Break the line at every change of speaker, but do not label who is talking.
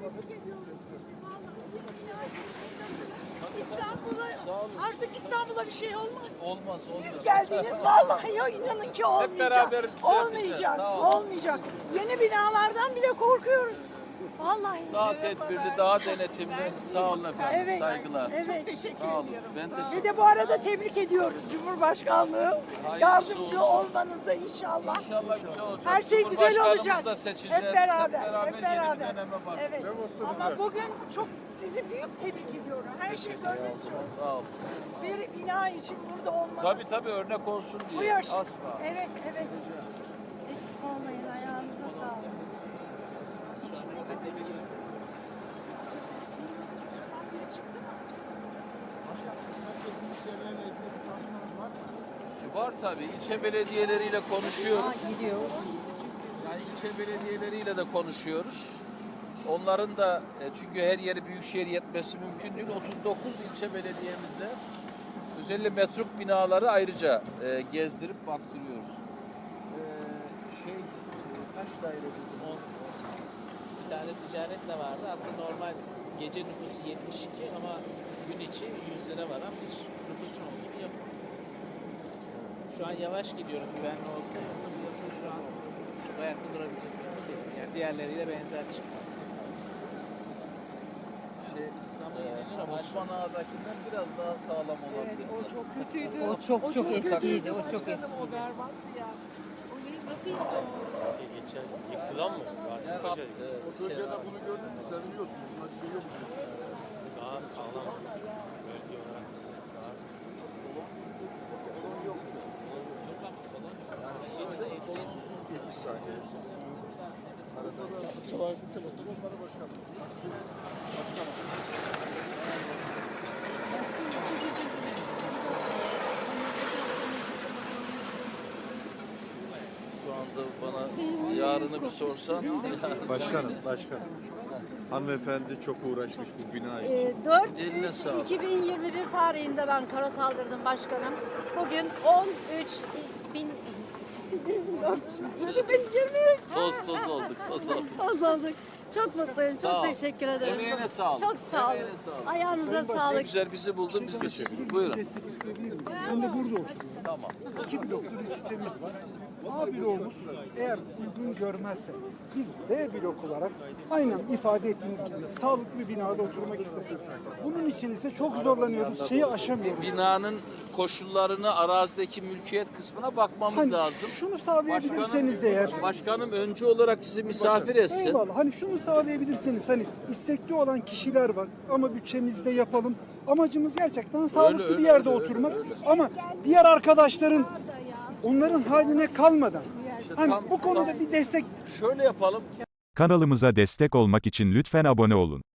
tebrik ediyorum sizi. İstanbul'a, artık İstanbul'a bir şey olmaz.
Olmaz.
Siz geldiniz vallahi ya, inanın ki olmayacak.
beraber
Olmayacak,
sağ olun.
olmayacak. Yeni binalardan bile korkuyoruz. Vallahi.
Daha tedbirli, daha denetimli. Sağ olun efendim.
Evet,
Saygılar.
evet. Teşekkür
Sağ olun.
ediyorum.
Ben
Sağ
de
olun. Ve de bu arada tebrik ediyoruz Cumhurbaşkanlığı.
Hayırlısı
Yardımcı
olsun.
olmanıza inşallah.
İnşallah güzel olacak.
Her şey güzel
Cumhurbaşkanımız
olacak.
da seçeceğiz.
Hep beraber,
Hep
hep
beraber
beraber.
yeni bir döneme başlıyoruz.
Evet. Ama bugün çok sizi büyük tebrik ediyorum. Her şey gönlünüzce olsun.
Sağ olun.
Bir bina için burada olmanız.
Tabii örnek olsun
Bu
diye.
yaş.
Asla.
Evet. Eksik olmayın. Ayağınıza sağlık. İçimdeki bir şey. Biri çıktı mı?
Var tabii. İlçe belediyeleriyle konuşuyoruz. Yani ilçe belediyeleriyle de konuşuyoruz. Onların da çünkü her yeri büyükşehir yetmesi mümkün değil. 39 ilçe belediyemizde özellikle metruk binaları ayrıca gezdirip baktırıyoruz. Kaç daire dedim?
18. Bir tane ticaret de vardı. Aslında normal gece nüfusu 72 ama gün içi 100 lira var ama hiç nüfusun olduğu bir yapı. Şu an yavaş gidiyoruz güvenli olsa yoksa bu yapı şu an bu ayakta durabilecek bir yapı değil. Yani diğerleriyle benzer çıktı. İstanbul'a yeniliyor ama
Osman Ağa'dakinden biraz daha sağlam olabilir.
O çok kötüydü.
O çok eskiydi. O çok
Başkanım,
eskiydi.
O berbattı ya. O nasıl yıkıldı?
Geçen yıkılan mı? Rasim Paşa
O bölgede bunu gördün mü seviniyorsun. Buna bir şey yok.
daha sağlam. Bölge olarak daha
Yetiş saniye. Sabah kısa bakın.
Şu anda bana yarını bir sorsan.
Başkanım. Hanımefendi çok uğraşmış bu bina için.
4
Eline sağlık.
2021 tarihinde ben karar kaldırdım başkanım. Bugün 13 bin 2023
Toz olduk.
toz olduk. Çok mutluyum.
Sağ
Çok
ol.
teşekkür ederim.
Emeğine sağlık.
Çok sağ olun.
Emeğine sağlık.
Ayağınıza
Ne
sağlık.
güzel bizi buldun biz de sevindik. Buyurun.
Destek isteyebilir miyim? Ben de burada oturuyorum.
Tamam.
2 bloklu bir sitemiz var. A bloğumuz eğer uygun görmezse biz B blok olarak aynen ifade ettiğiniz gibi sağlıklı bir binada oturmak istesek. Bunun için ise çok zorlanıyoruz. Şeyi aşamıyoruz.
Binanın koşullarını arazideki mülkiyet kısmına bakmamız
Hani
lazım.
şunu sağlayabilirseniz eğer.
Başkanım öncü olarak sizi misafir etsin.
Eyvallah. Hani şunu sağlayabilirseniz, hani istekli olan kişiler var ama bütçemizde yapalım. Amacımız gerçekten sağlıklı
öyle,
bir yerde
öyle,
oturmak. Ama diğer arkadaşların onların haline kalmadan hani
tam-
bu konuda bir destek
Şöyle yapalım.
Kanalımıza destek olmak için lütfen abone olun.